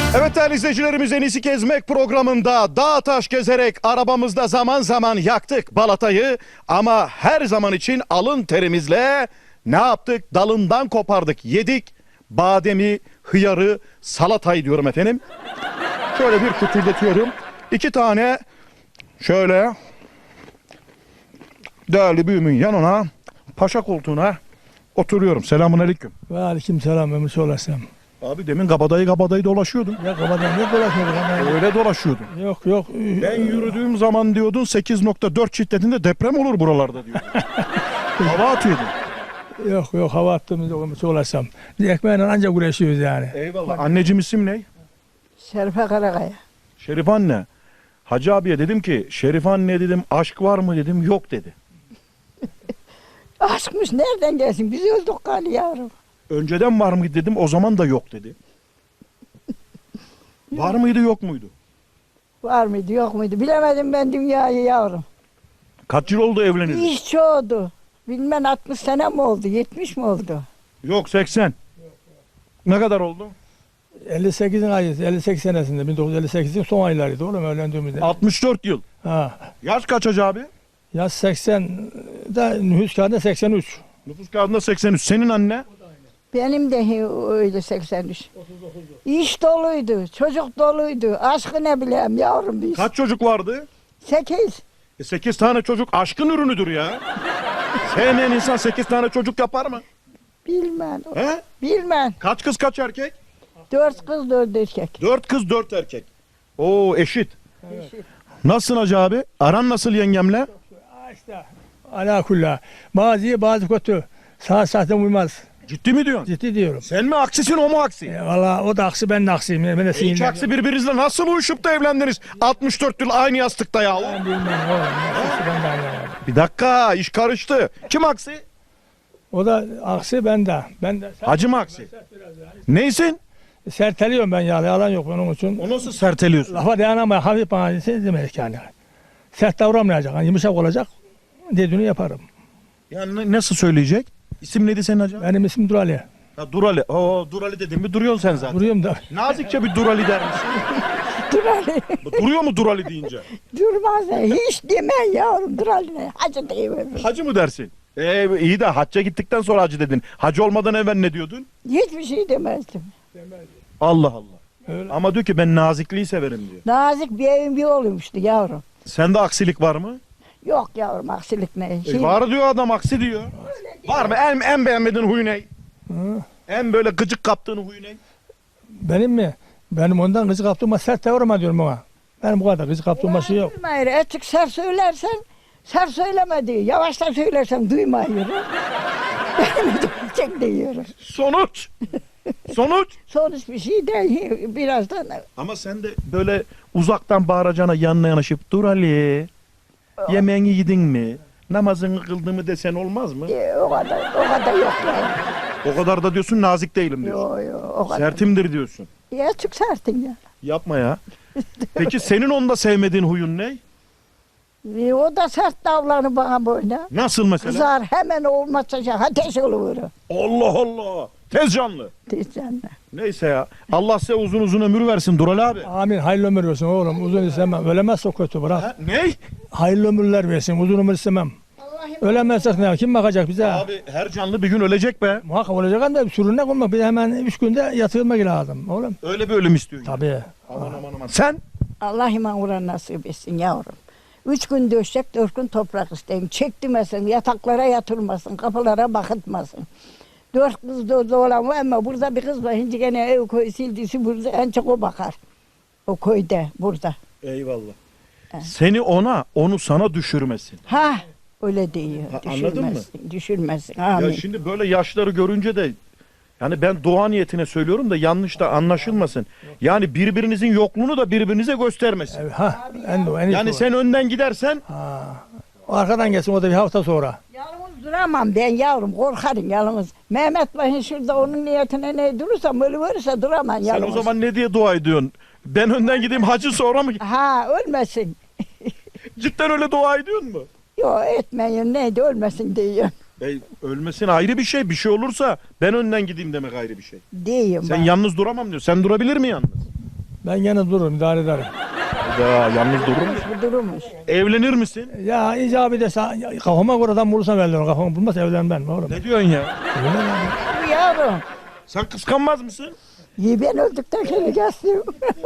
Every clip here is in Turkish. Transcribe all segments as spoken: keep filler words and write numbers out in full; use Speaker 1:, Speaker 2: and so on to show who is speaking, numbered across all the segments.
Speaker 1: Evet değerli izleyicilerimiz, En İyisi Gezmek programında dağ taş gezerek arabamızda zaman zaman yaktık balatayı ama her zaman için alın terimizle ne yaptık? Dalından kopardık, yedik. Bademi, hıyarı, salatayı diyorum efendim. Şöyle bir kütürletiyorum. İki tane şöyle değerli büyümün yanına, paşa koltuğuna oturuyorum. Selamun aleyküm.
Speaker 2: Ve aleyküm selam ömür olasın.
Speaker 1: Abi demin kabadayı kabadayı dolaşıyordun.
Speaker 2: Ya kafadan ne dolaşmadık ama.
Speaker 1: Öyle dolaşıyordun.
Speaker 2: Yok yok.
Speaker 1: Ben yürüdüğüm zaman diyordun sekiz nokta dört şiddetinde deprem olur buralarda diyordun. Hava atıyordun.
Speaker 2: Yok yok hava attığımızda ömür olasam. Biz ekmeğiyle ancak uğraşıyoruz yani.
Speaker 1: Eyvallah. Anneciğim isim ne?
Speaker 3: Şerife Karakaya.
Speaker 1: Şerif anne. Hacı abiye dedim ki Şerif anne dedim aşk var mı dedim, yok dedi.
Speaker 3: Aşkmış nereden gelsin? Biz öldük galiba yavrum.
Speaker 1: Önceden var mıydı dedim, o zaman da yok dedi. Var mıydı yok muydu?
Speaker 3: Var mıydı yok muydu? Bilemedim ben dünyayı yavrum.
Speaker 1: Kaç yıl oldu evleneli?
Speaker 3: İş çoğdu. Bilmem altmış sene mi oldu? yetmiş mi oldu?
Speaker 1: Yok seksen. Ne kadar oldu?
Speaker 2: elli sekizin ayı, elli sekiz senesinde bin dokuz yüz elli sekizin son aylarıydı oğlum evlendiğimizde.
Speaker 1: altmış dört yıl.
Speaker 2: Ha.
Speaker 1: Yaş kaç Hacı abi?
Speaker 2: Yaz seksende nüfus kağıdında seksen üç.
Speaker 1: Nüfus kağıdında seksen üç. Senin anne?
Speaker 3: Benim de öyle seksen üç. İş doluydu, çocuk doluydu. Aşkı ne bileyim yavrum biz.
Speaker 1: Kaç çocuk vardı?
Speaker 3: Sekiz.
Speaker 1: E sekiz tane çocuk aşkın ürünüdür ya. Sevmeyen insan sekiz tane çocuk yapar mı?
Speaker 3: Bilmem.
Speaker 1: He?
Speaker 3: Bilmem.
Speaker 1: Kaç kız kaç erkek?
Speaker 3: Dört kız dört erkek.
Speaker 1: Dört kız dört erkek. Oo eşit. Nasılsın Hacı abi? Aran nasıl yengemle?
Speaker 2: Ha işte. Ala kulla. Bazı iyi bazı kötü. Sağ sahte uymaz.
Speaker 1: Ciddi mi diyorsun?
Speaker 2: Ciddi diyorum.
Speaker 1: Sen mi aksisin o mu aksi?
Speaker 2: E, Valla o da aksi ben de aksiyim. Ben de
Speaker 1: İki
Speaker 2: sinirlendim.
Speaker 1: aksi birbirinizle nasıl uyuşup da evlendiniz? altmış dört yıl aynı yastıkta ya.
Speaker 2: Ben bilmem oğlum. Aksi ben de anlamadım.
Speaker 1: Bir dakika, iş karıştı. Kim aksi?
Speaker 2: O da aksi ben de. Ben de.
Speaker 1: Hacı mı aksi? Neysin?
Speaker 2: Serteliyorum ben ya. Yalan yok onun için.
Speaker 1: O nasıl serteliyorsun?
Speaker 2: Lafa dayanamaya hafif bana demek yani. Sert davranmayacak. Yani yumuşak olacak. Dediğini yaparım.
Speaker 1: Yani ne- nasıl söyleyecek? İsim neydi senin hacı?
Speaker 2: Benim ismim Durali.
Speaker 1: Ha, Durali. Oo, Durali dedim mi duruyorsun sen zaten.
Speaker 2: Duruyorum da.
Speaker 1: Nazikçe bir Durali der misin?
Speaker 3: Dur Ali.
Speaker 1: Duruyor mu Durali deyince?
Speaker 3: Durmaz. Hiç deme yavrum. Dur Ali. Hacı deyiverir.
Speaker 1: Hacı mı dersin? Ee, iyi de hacca gittikten sonra hacı dedin. Hacı olmadan evvel ne diyordun?
Speaker 3: Hiçbir şey demezdim.
Speaker 1: Allah Allah.
Speaker 2: Öyle.
Speaker 1: Ama diyor ki ben nazikliği severim diyor.
Speaker 3: Nazik bir evin bir oğluymuştu yavrum.
Speaker 1: Sende aksilik var mı?
Speaker 3: Yok yavrum aksilik ne?
Speaker 1: E,
Speaker 3: Şey,
Speaker 1: var diyor adam, aksi diyor. Var mı? En, en beğenmediğin huyu ne?
Speaker 2: Hı.
Speaker 1: En böyle gıcık kaptığın huyu ne?
Speaker 2: Benim mi? Benim ondan kızı kaptığıma sert davranma diyorum ona. Benim bu kadar kızı kaptığıma şey yok.
Speaker 3: Duymayır. Açık ser söylersen ser söyleme diyor. Yavaştan söylersen duymayır. Benim duyacak diyor.
Speaker 1: Sonuç. Sonuç.
Speaker 3: Sonuç bir şey değil. Birazdan
Speaker 1: Ama sen de böyle uzaktan bağıracağına yanına yanaşıp dur Ali. Yemeğini yedin mi? Namazını kıldın mı desen olmaz mı?
Speaker 3: e, o kadar o kadar yok yani.
Speaker 1: O kadar da diyorsun nazik değilim diyorsun.
Speaker 3: Yok yok o kadar.
Speaker 1: Sertimdir diyorsun.
Speaker 3: Ya açık sertin ya.
Speaker 1: Yapma ya. Peki senin onda sevmediğin huyun ne?
Speaker 3: E, o da sert davranır bana böyle.
Speaker 1: Nasıl mesela?
Speaker 3: Kızar hemen olmazsa ateş olur.
Speaker 1: Allah Allah. Tez canlı.
Speaker 3: Diyeceğim.
Speaker 1: Neyse ya. Allah size uzun uzun ömür versin Dural abi.
Speaker 2: Amin. Hayırlı ömür versin oğlum. Uzun istemem. Ölemezse o kötü bırak.
Speaker 1: Ha, ne?
Speaker 2: Hayırlı ömürler versin. Uzun ömür istemem. Ölemezsek ne? Kim bakacak bize?
Speaker 1: Abi her canlı bir gün ölecek be.
Speaker 2: Muhakkak olacak ama sürünek olmak. Bir de hemen üç günde yatırılmak lazım oğlum.
Speaker 1: Öyle bir ölüm istiyor. yani.
Speaker 2: Tabii.
Speaker 1: Aman aman aman. Sen?
Speaker 3: Allah iman uğran nasip etsin yavrum. Üç gün döşecek, dört gün toprak isteyim. Çektirmesin, yataklara yatırmasın, kapılara bakıtmasın. Dört kız da olan var ama burada bir kız var. Şimdi gene ev koy sildisi burada en çok o bakar. O köyde, burada.
Speaker 1: Eyvallah. Seni ona, onu sana düşürmesin.
Speaker 3: Ha, öyle diyor.
Speaker 1: Ha, anladın mı?
Speaker 3: Düşürmesin, düşürmesin. Amin.
Speaker 1: Ya şimdi böyle yaşları görünce de yani ben dua niyetine söylüyorum da yanlış da anlaşılmasın. Yani birbirinizin yokluğunu da birbirinize göstermesin.
Speaker 2: Evet, ha. En, en iyisi
Speaker 1: Yani
Speaker 2: o.
Speaker 1: sen önden gidersen
Speaker 2: Ha. O arkadan gelsin o da bir hafta sonra.
Speaker 3: Yalnız duramam ben yavrum, korkarım yalnız. Mehmet Bey'in şurada onun niyetine ne durursam öyle verirse duramam
Speaker 1: sen
Speaker 3: yalnız.
Speaker 1: o zaman ne diye dua ediyorsun? Ben önden gideyim hacı sonra mı?
Speaker 3: Ha, ölmesin.
Speaker 1: Cidden öyle dua ediyorsun mu?
Speaker 3: Yok etmeyin neydi ölmesin diyor.
Speaker 1: E, ölmesin ayrı bir şey. Bir şey olursa ben önden gideyim demek ayrı bir şey.
Speaker 3: Diyeyim
Speaker 1: Sen
Speaker 3: bak.
Speaker 1: yalnız duramam diyor. Sen durabilir mi yalnız?
Speaker 2: Ben gene dururum, idare ederim.
Speaker 1: Ya yalnız durur musun?
Speaker 3: Bu durmuş.
Speaker 1: Evlenir misin?
Speaker 2: Ya icabı dese kafama göre adam bulursam evlenirim. Kafamı bulmaz evlenmem oğlum.
Speaker 1: Ne diyorsun ya?
Speaker 2: Evlenemem.
Speaker 3: Bu yavrum.
Speaker 1: Sen kıskanmaz mısın?
Speaker 3: İyi ben öldükten sonra gelsin.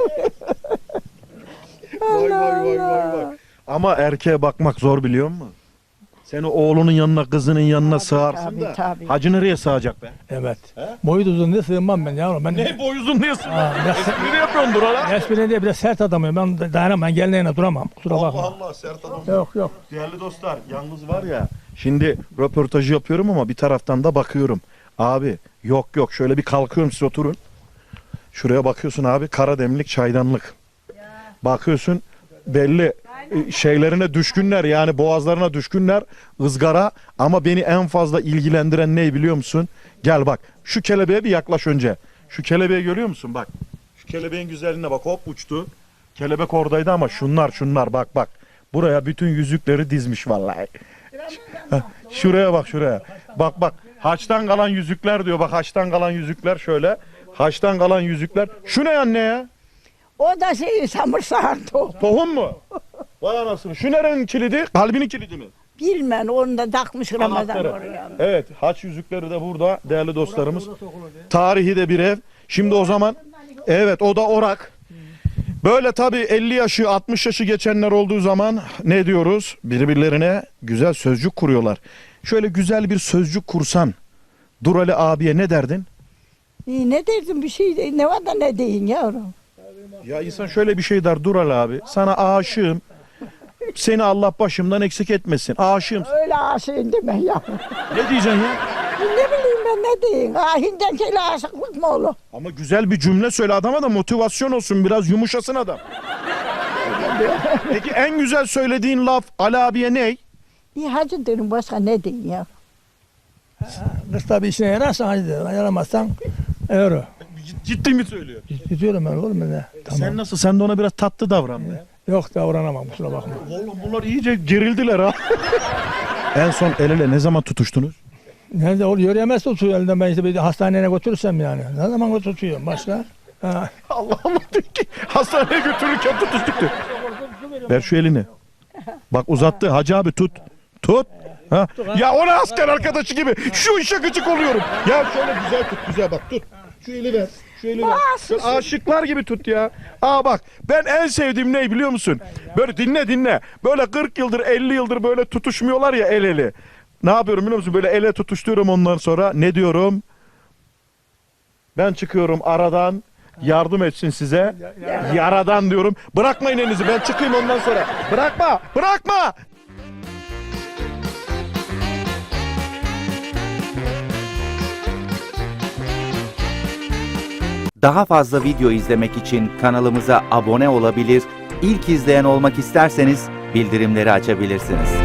Speaker 1: Vay vay vay vay vay. Ama erkeğe bakmak zor biliyor musun? Seni oğlunun yanına, kızının yanına sığarsın
Speaker 3: tabii,
Speaker 1: da
Speaker 3: tabii.
Speaker 1: hacı nereye sığacak be?
Speaker 2: Evet. Boyu da uzun diye sığınmam ben yavrum. Ben
Speaker 1: Ne boy uzun diyorsun?
Speaker 2: Ha, ne-
Speaker 1: Espri yapıyorsun dur hala.
Speaker 2: Esprine diye bir de sert adamım. Ben dayanamam. Ben gelinliğine duramam. Kusura bakma.
Speaker 1: Allah Allah sert adam.
Speaker 2: Yok yok.
Speaker 1: Değerli dostlar yalnız var ya şimdi röportajı yapıyorum ama bir taraftan da bakıyorum. Abi yok yok şöyle bir kalkıyorum siz oturun. Şuraya bakıyorsun abi kara demlik çaydanlık. Bakıyorsun belli e, şeylerine düşkünler yani boğazlarına düşkünler ızgara ama beni en fazla ilgilendiren ne biliyor musun? Gel bak şu kelebeğe bir yaklaş önce. Şu kelebeği görüyor musun bak. Şu kelebeğin güzelliğine bak hop uçtu. Kelebek oradaydı ama şunlar şunlar bak bak. Buraya bütün yüzükleri dizmiş vallahi. Heh, şuraya bak şuraya. Bak bak haçtan kalan yüzükler diyor. Bak haçtan kalan yüzükler şöyle. Haçtan kalan yüzükler. Şu ne anne ya?
Speaker 3: O da şey samırsağın tohum.
Speaker 1: Tohum mu? Vay anasını. Şu nerenin kilidi? Kalbinin kilidi mi?
Speaker 3: Bilmem onu da takmış Ramazan
Speaker 1: Anahtarı.
Speaker 3: oraya.
Speaker 1: Evet haç yüzükleri de burada değerli dostlarımız. Tarihi de bir ev. Şimdi o zaman evet o da orak. Böyle tabii elli yaşı altmış yaşı geçenler olduğu zaman ne diyoruz? Birbirlerine güzel sözcük kuruyorlar. Şöyle güzel bir sözcük kursan Durali abiye ne derdin?
Speaker 3: İyi, ne dersin bir şey de- ne var da ne deyin yavrum.
Speaker 1: Ya insan şöyle bir şey der Durali abi. Sana aşığım. Seni Allah başımdan eksik etmesin. Aşığım.
Speaker 3: Öyle aşığın deme yavrum.
Speaker 1: Ne diyeceksin ya?
Speaker 3: Ne bileyim ben ne diyeyim. Ahinden kele aşıklık mı olur?
Speaker 1: Ama güzel bir cümle söyle adama da motivasyon olsun. Biraz yumuşasın adam. Peki en güzel söylediğin laf Ali abiye ne?
Speaker 3: İyi hacı derim başka ne diyeyim ya.
Speaker 2: Kız tabii işine yararsan hadi derim. Yaramazsan euro.
Speaker 1: Ciddi mi söylüyor?
Speaker 2: Gidiyorum ben oğlum ben de. Tamam.
Speaker 1: Sen nasıl? Sen de ona biraz tatlı davran be.
Speaker 2: Yok davranamam kusura bakma.
Speaker 1: Oğlum bunlar iyice gerildiler ha. En son el ele ne zaman tutuştunuz?
Speaker 2: Nerede o yürüyemez tutuyor elinden ben işte bir hastaneye götürürsem yani. Ne zaman tutuyorum başka? Ha.
Speaker 1: Allah Allah diyor ki hastaneye götürürken tutuştuk diyor. Ver şu elini. Bak uzattı Hacı abi tut. Tut. Ha. Ya ona asker arkadaşı gibi şu işe gıcık oluyorum. Ya şöyle güzel tut güzel bak tut. Şu eli ver. Şu eli ver. Şöyle aşıklar gibi tut ya. Aa bak ben en sevdiğim ne biliyor musun? Böyle dinle dinle. Böyle kırk yıldır elli yıldır böyle tutuşmuyorlar ya el ele. Ne yapıyorum biliyor musun? Böyle ele tutuşturuyorum ondan sonra. Ne diyorum? Ben çıkıyorum aradan. Yardım etsin size. Yaradan diyorum. Bırakmayın elinizi. Ben çıkayım ondan sonra. Bırakma. Bırakma.
Speaker 4: Daha fazla video izlemek için kanalımıza abone olabilir, ilk izleyen olmak isterseniz bildirimleri açabilirsiniz.